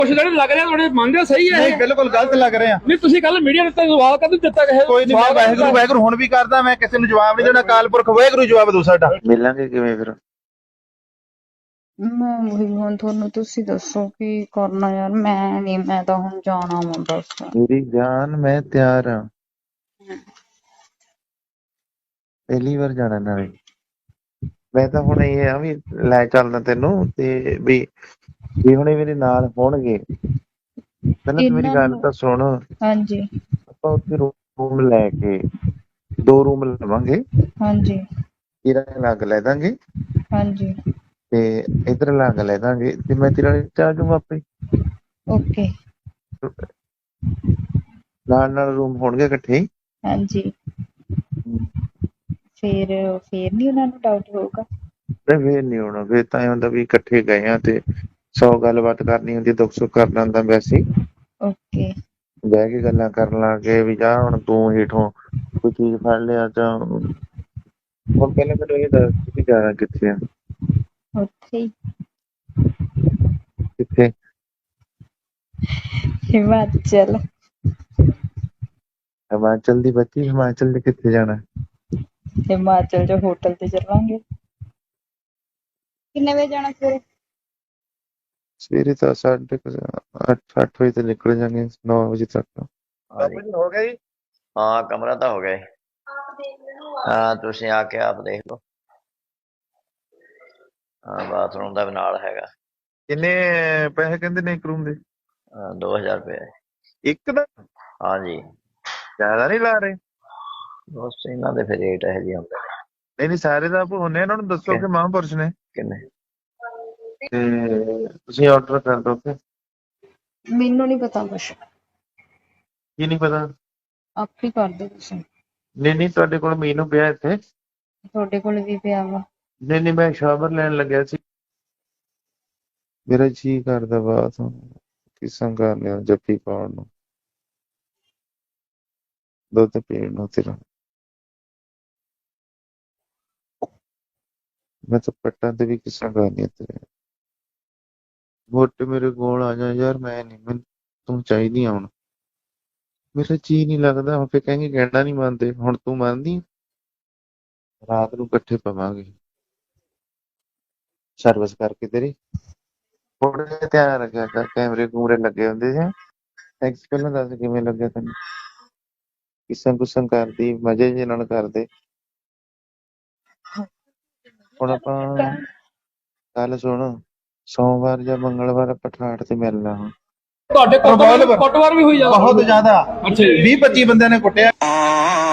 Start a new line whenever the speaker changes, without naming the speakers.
ਕੁਛ ਜਿਹੜੇ ਲੱਗ ਰਿਹਾ ਤੁਹਾਡੇ ਮੰਨਦੇ ਸਹੀ ਹੈ
ਨਹੀਂ ਬਿਲਕੁਲ ਗਲਤ ਲੱਗ ਰਿਹਾ।
ਨਹੀਂ ਤੁਸੀਂ ਕੱਲ ਮੀਡੀਆ ਨੂੰ ਸਵਾਲ ਕਦੋਂ ਦਿੱਤਾ ਕਿਸੇ
ਕੋਈ ਨਹੀਂ, ਮੈਂ ਵਾਹਿਗੁਰੂ ਵਾਹਿਗੁਰੂ ਹੁਣ ਵੀ ਕਰਦਾ, ਮੈਂ ਕਿਸੇ ਨੂੰ ਜਵਾਬ ਨਹੀਂ ਦੇਣਾ। ਅਕਾਲ ਪੁਰਖ ਵਾਹਿਗੁਰੂ ਜਵਾਬ ਦੋ ਸਾਡਾ।
ਮਿਲਾਂਗੇ ਕਿਵੇਂ ਫਿਰ?
ਮੈਂ ਉਹੀ ਹੁਣ ਤੁਹਾਨੂੰ ਤੁਸੀਂ ਦੱਸੋ ਕੀ ਕਰਨਾ ਯਾਰ। ਮੈਂ ਤਾਂ ਹੁਣ ਜਾਣਾ ਵਾ ਬਸ।
ਮੇਰੀ ਜਾਨ ਮੈਂ ਤਿਆਰ ਹਾਂ, ਪਹਿਲੀ ਵਾਰ ਜਾਣਾ ਨਾਲੇ। ਮੈਂ ਤਾਂ ਹੁਣ ਇਹ ਆ ਵੀ ਲੈ ਚੱਲਦਾ ਤੈਨੂੰ ਤੇ ਵੀ ਹੁਣੇ ਮੇਰੇ ਨਾਲ ਹੋਣਗੇ। ਪਹਿਲਾਂ ਤੂੰ ਮੇਰੀ ਗੱਲ ਤਾਂ ਸੁਣ।
ਹਾਂਜੀ
ਆਪਾਂ ਉੱਥੇ ਰੂਮ ਲੈ ਕੇ 2 ਰੂਮ ਲਵਾਂਗੇ।
ਹਾਂਜੀ
ਤੇਰਾ ਅਲੱਗ ਲੈ ਦਾਂਗੇ
ਹਾਂਜੀ
ਤੇ ਇੱਧਰ ਅਲੱਗ ਲੈ ਦਾਂਗੇ ਤੇ ਮੈਂ ਤੇਰਾ ਚੱਲ ਜਾਊਂਗਾ ਆਪੇ।
ਓਕੇ
ਨਾਲ ਰੂਮ ਹੋਣਗੇ ਇਕੱਠੇ ਹੀ।
ਹਾਂਜੀ ਫੇਰ ਨਹੀਂ ਉਹਨਾਂ ਨੂੰ ਡਾਊਟ ਹੋਊਗਾ?
ਤੇ ਫੇਰ ਨੀ ਹੋਣਾ, ਫੇਰ ਤਾਂ ਇਹ ਹੁੰਦਾ ਵੀ ਇਕੱਠੇ ਗਏ ਆ ਤੇ 100 ਗੱਲਬਾਤ ਕਰਨੀ ਹੁੰਦੀ, ਦੁੱਖ ਸੁੱਖ ਕਰਨਾ ਹੁੰਦਾ। ਵੈਸੇ ਹੀ
ਓਕੇ
ਬਹਿ ਕੇ ਗੱਲਾਂ ਕਰਨ ਲੱਗੇ ਵੀ ਜਾ ਹੁਣ ਤੂੰ ਹੇਠੋਂ ਕੋਈ ਚੀਜ਼ ਫੜ ਲਿਆ ਤਾਂ ਹੁਣ ਪਹਿਲਾਂ ਮੈਨੂੰ ਇਹ ਦੱਸ ਤੁਸੀਂ ਜਾਣਾ ਕਿੱਥੇ ਆ?
ਉੱਥੇ ਹੀ
ਕਿੱਥੇ?
ਹਿਮਾਚਲ।
ਹਿਮਾਚਲ ਦੀ ਬੱਚੀ, ਹਿਮਾਚਲ ਦੇ ਕਿੱਥੇ ਜਾਣਾ?
ਹਿਮਾਚਲ ਚ ਹੋਟਲ ਤੇ ਚੱਲਾਂਗੇ। ਕਿੰਨੇ ਵਜੇ ਜਾਣਾ ਸਵੇਰੇ?
ਸਵੇਰੇ ਤਾਂ 8:30 ਵਜੇ ਤੇ ਨਿਕਲ ਜਾਂਗੇ, 9 ਵਜੇ ਤੱਕ।
ਹੋ ਗਿਆ ਜੀ?
ਹਾਂ ਕਮਰਾ ਤਾਂ ਹੋ ਗਿਆ ਜੀ। ਹਾਂ ਤੁਸੀਂ ਆ ਕੇ ਆਪ ਦੇਖ ਲਓ। ਹਾਂ ਬਾਥਰੂਮ ਦਾ ਵੀ ਨਾਲ ਹੈਗਾ।
ਕਿੰਨੇ ਪੈਸੇ ਕਹਿੰਦੇ ਨੇ ਇੱਕ ਰੂਮ ਦੇ?
2000 ਰੁਪਏ।
ਇੱਕ ਦਾ?
ਹਾਂਜੀ
ਜ਼ਿਆਦਾ ਨਹੀਂ ਲਾ ਰਹੇ?
ਬਸ ਇਹਨਾਂ ਦੇ ਫਿਰ ਰੇਟ ਇਹੋ ਜਿਹੇ ਹੁੰਦੇ ਨੇ।
ਨਹੀਂ ਸਾਰੇ ਦਾ ਹੁੰਨੇ, ਇਹਨਾਂ ਨੂੰ ਦੱਸੋ ਕਿ ਮਹਾਂਪੁਰਸ਼ ਨੇ
ਕਿੰਨੇ
ਤੇ ਤੁਸੀਂ ਆਰਡਰ ਕਰ ਦੋ।
ਮੈਨੂੰ ਨਹੀਂ ਪਤਾ ਕੁਛ।
ਕੀ ਨਹੀਂ ਪਤਾ?
ਆਪ ਹੀ ਕਰ ਦਿਓ ਤੁਸੀਂ।
ਨਹੀਂ ਤੁਹਾਡੇ ਕੋਲ ਮੀਨੂ ਪਿਆ ਇੱਥੇ?
ਤੁਹਾਡੇ ਕੋਲ ਵੀ ਪਿਆ ਵਾ।
ਨਹੀਂ ਮੈਂ ਸ਼ਾਵਰ ਲੈਣ ਲੱਗਿਆ ਸੀ। ਮੇਰਾ ਜੀ ਕਰਦਾ ਬਾਤ ਕਿਸਮ ਕਰ ਲਿਆ ਜੱਫੀ ਪਾਉਣ ਨੂੰ, ਦੁੱਧ ਪੀਣ ਨੂੰ ਤੇਰਾ। ਮੈਂ ਤਾਂ ਪੱਟਾਂ ਤੇ ਵੀ ਕਿਸਮ ਕਰਨੀ ਤੇਰੇ। ਮੋਟੇ ਮੇਰੇ ਕੋਲ ਆ ਜਾ ਯਾਰ, ਮੈਂ ਨਹੀਂ, ਮੈਨੂੰ ਤੂੰ ਚਾਹੀਦੀ ਆ ਹੁਣ। ਮੇਰਾ ਜੀ ਨਹੀਂ ਲੱਗਦਾ ਹੁਣ। ਫਿਰ ਕਹਿੰਗੇ ਕਹਿਣਾ ਨਹੀਂ ਮੰਨਦੇ, ਹੁਣ ਤੂੰ ਮੰਨਦੀ? ਰਾਤ ਨੂੰ ਇਕੱਠੇ ਪਵਾਂਗੇ ਸਰਵਿਸ ਕਰਕੇ ਤੇਰੀ। ਥੋੜਾ ਜਿਹਾ ਧਿਆਨ ਰੱਖਿਆ ਕਰ, ਕੈਮਰੇ ਕੂਮਰੇ ਲੱਗੇ ਹੁੰਦੇ ਸੀ। ਟੈਕਸ ਪਹਿਲਾਂ ਦੱਸ ਕਿਵੇਂ ਲੱਗਿਆ ਤੈਨੂੰ? ਕਿਸਮ ਕੁਸਮ ਕਰਦੀ ਮਜ਼ੇ ਜਿਹੇ ਨਾਲ ਕਰਦੇ। ਹੁਣ ਆਪਾਂ ਕੱਲ ਸੁਣ, ਸੋਮਵਾਰ ਜਾਂ ਮੰਗਲਵਾਰ ਆਪਾਂ ਠਾਠ ਤੇ ਮਿਲਣਾ। ਹੁਣ
ਤੁਹਾਡੇ ਕੁੱਟਮਾਰ ਵੀ ਹੋਈ ਜਾਂਦਾ
ਬਹੁਤ ਜ਼ਿਆਦਾ।
ਅੱਛਾ ਜੀ।
20-25 ਬੰਦਿਆਂ ਨੇ ਕੁੱਟਿਆ।